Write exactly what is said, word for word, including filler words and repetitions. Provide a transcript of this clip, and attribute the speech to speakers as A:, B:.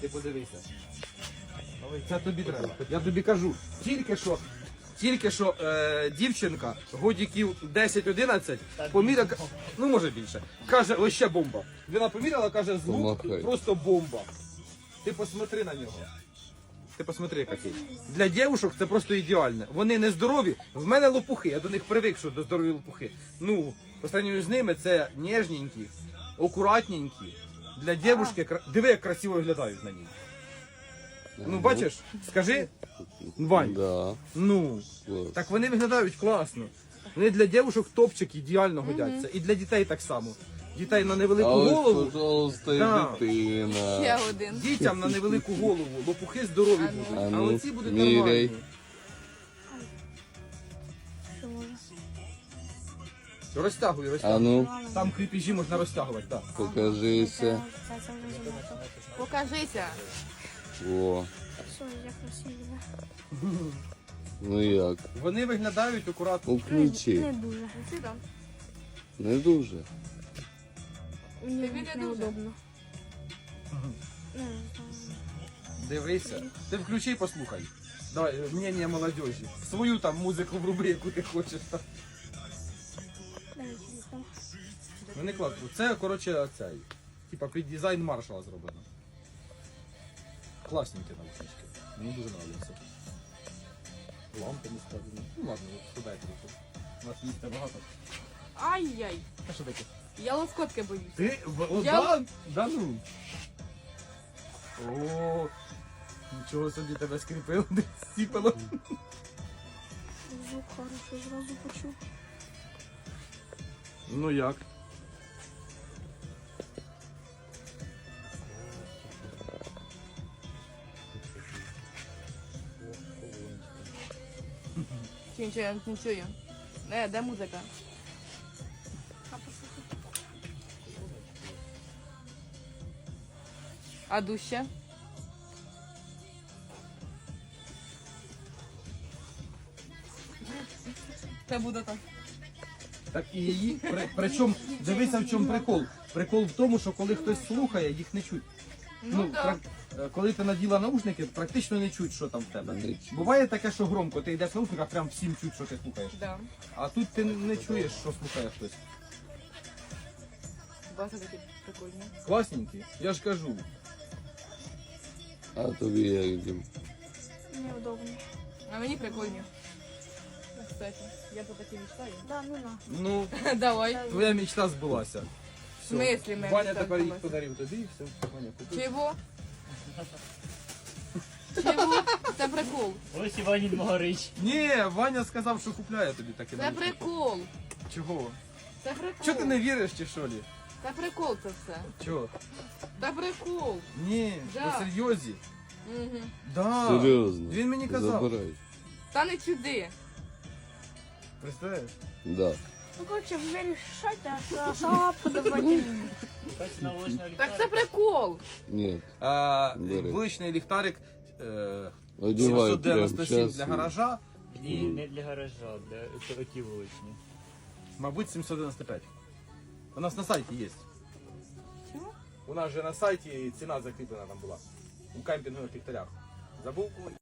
A: Ти подивися. Це тобі треба. Я тобі кажу, тільки що, тільки що е, дівчинка, годиків десять-одинадцять, поміряла, ну може більше, каже, ось ще бомба. Вона поміряла, каже, звук
B: Помахай.
A: просто бомба. Ти посмотри на нього. Ти посмотри, який. Для дівчинок це просто ідеально. Вони не здорові, в мене лопухи, я до них привик, що до здорові лопухи. Ну, по сравнению з ними це ніжненькі, акуратненькі. Для дівчинки, кра- диви, як красиво виглядають на ній. Ну, бачиш, скажи, Вань,
B: Да.
A: ну,
B: Клас.
A: так вони виглядають класно. Вони для дівчинок топчик ідеально годяться. І для дітей так само. Дітей на невелику
B: А ось,
A: голову,
B: пожалуйста, і
A: Да.
B: дитина.
C: Ще один.
A: дітям на невелику голову, лопухи здорові
C: А ну.
A: будуть,
B: А
A: а
B: ну,
A: оці будуть
B: міряй.
A: нормальні. Розтягуй,
B: А
A: розтягуй.
B: ну,
A: Там кріпежі можна розтягувати, так.
B: покажися.
C: Покажися.
B: О,
D: Все, я красива.
B: ну як?
A: Вони виглядають акуратно.
B: Включи.
D: Не дуже.
C: Ти там.
B: Не дуже.
D: Мені
C: Тобі не
D: неудобно. Не знаю.
A: Дивися. Ти включи і послухай. Давай, мнення молодежі. Свою там музику вруби, яку ти хочеш.
D: Дай телефон.
A: Ну не кладу. Це, коротше, цей. Типа під дизайн маршала зроблено. Класненькі наушнички. Мені дуже подобається. Лампи не ставлені. Ну ладно, от сюди трохи. У нас місця багато.
C: Ай-яй.
A: А що таке?
C: Я лоскотки боюсь.
A: Ти? О,
C: Я-
A: да? Да ну. О, нічого собі тебе скріпило, не сіпало.
D: Звук хороший, зразу почув.
A: Ну як?
C: Чи нічого, я не чую. Не, де музика?
D: А послухай.
C: А дужче? Це буде так.
A: Так і її. При, причому, дивися в чому прикол. Прикол в тому, що коли хтось слухає, їх не чуть.
C: Ну, да.
A: прак- е, коли ти наділа наушники, практично не чуть, що там в тебе.
B: Не чуть.
A: Буває таке, що громко, ти йдеш в наушниках, прям всім чуть, що ти слухаєш.
C: Да.
A: А тут ти не чуєш, що слухає хтось.
C: Бачите, такі прикольні.
A: Класненькі, я ж кажу.
B: А тобі як, Дім?
D: Неудобно.
C: А мені прикольні. Кстати, я по такі мечтаю.
D: Да, ну на.
A: Ну,
C: Давай.
A: твоя мечта збулася.
C: В
A: Все.
C: смислі моя
A: Ваня
C: мечта
A: тепер їх
C: збулася?
A: подарив тобі і все. Ваня купив.
C: Чого? Чого? Це прикол.
E: Ось Іванін Могорич.
A: Ні, Ваня сказав, що купляє тобі таке.
C: Це
A: наушники.
C: прикол.
A: Чого?
C: Це прикол.
A: Чого ти не віриш чи що лі?
C: Це прикол це все.
A: Чого?
C: Це прикол.
A: Ні,
C: Да.
A: по серйозі.
C: Угу.
A: Да.
B: Серйозно?
A: Він мені казав.
B: Забирай.
C: Та не сюди.
A: Представляєш?
B: Да.
D: Ну, короче, вирішайте, а сама подавати.
E: Якась наочна
C: Так це прикол.
B: Ні.
A: А,
B: Бери.
A: вуличний ліхтарик е,
B: Одівай
A: сімсот
B: прямо
A: дев'яносто сім
B: зараз.
A: для гаража,
E: Ні, не для гаража, для оті вуличні.
A: мабуть, сімсот дев'яносто п'ять. У нас на сайті є.
C: Чого?
A: У нас же на сайті ціна закріплена там була. У кемпінгових ліхтарях. Забув?